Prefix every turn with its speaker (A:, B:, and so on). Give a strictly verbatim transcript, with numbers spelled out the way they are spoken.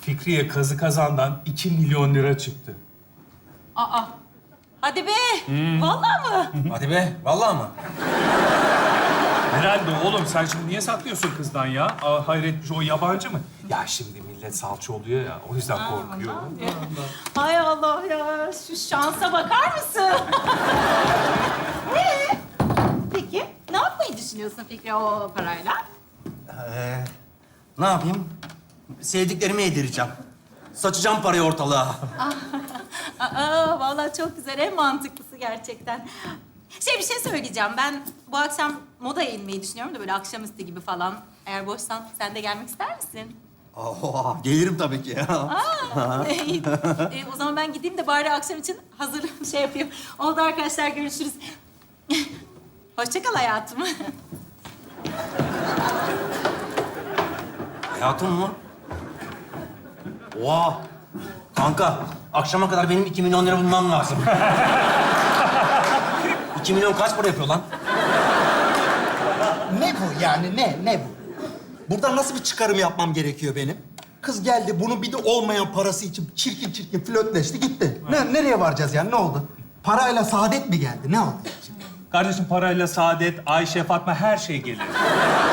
A: Fikriye kazı kazandan iki milyon lira çıktı.
B: Aa, hadi be. Vallahi mı?
C: Hadi be, vallahi mı?
A: Herhalde oğlum sen şimdi niye saklıyorsun kızdan ya? Aa, hayret o yabancı mı? Ya şimdi millet salça oluyor ya o yüzden korkuyor.
B: Hay Allah ya, şu şansa bakar mısın? Ee, peki, ne yapmayı düşünüyorsun Fikri o parayla?
C: Ee, ne yapayım? Sevdiklerimi yedireceğim. Saçacağım parayı ortalığa.
B: Aa, vallahi çok güzel, en mantıklısı gerçekten. Şey, bir şey söyleyeceğim. Ben bu akşam modaya inmeyi düşünüyorum da böyle akşamüstü gibi falan. Eğer boşsan sen de gelmek ister misin?
C: Oha, gelirim tabii ki ya.
B: Aa, iyi. E, o zaman ben gideyim de bari akşam için hazır şey yapayım. Oldu arkadaşlar, görüşürüz. Hoşça kal hayatım.
C: Hayatım mı? Oha! Kanka, akşama kadar benim iki milyon lira bulmam lazım. İki milyon kaç para yapıyor lan?
D: Ne bu yani? Ne? Ne bu? Buradan nasıl bir çıkarım yapmam gerekiyor benim? Kız geldi, bunu bir de olmayan parası için çirkin çirkin flörtleşti, gitti. Ne, nereye varacağız yani? Ne oldu? Parayla saadet mi geldi? Ne oldu?
A: Kardeşim parayla saadet, Ayşe, Fatma her şey gelir.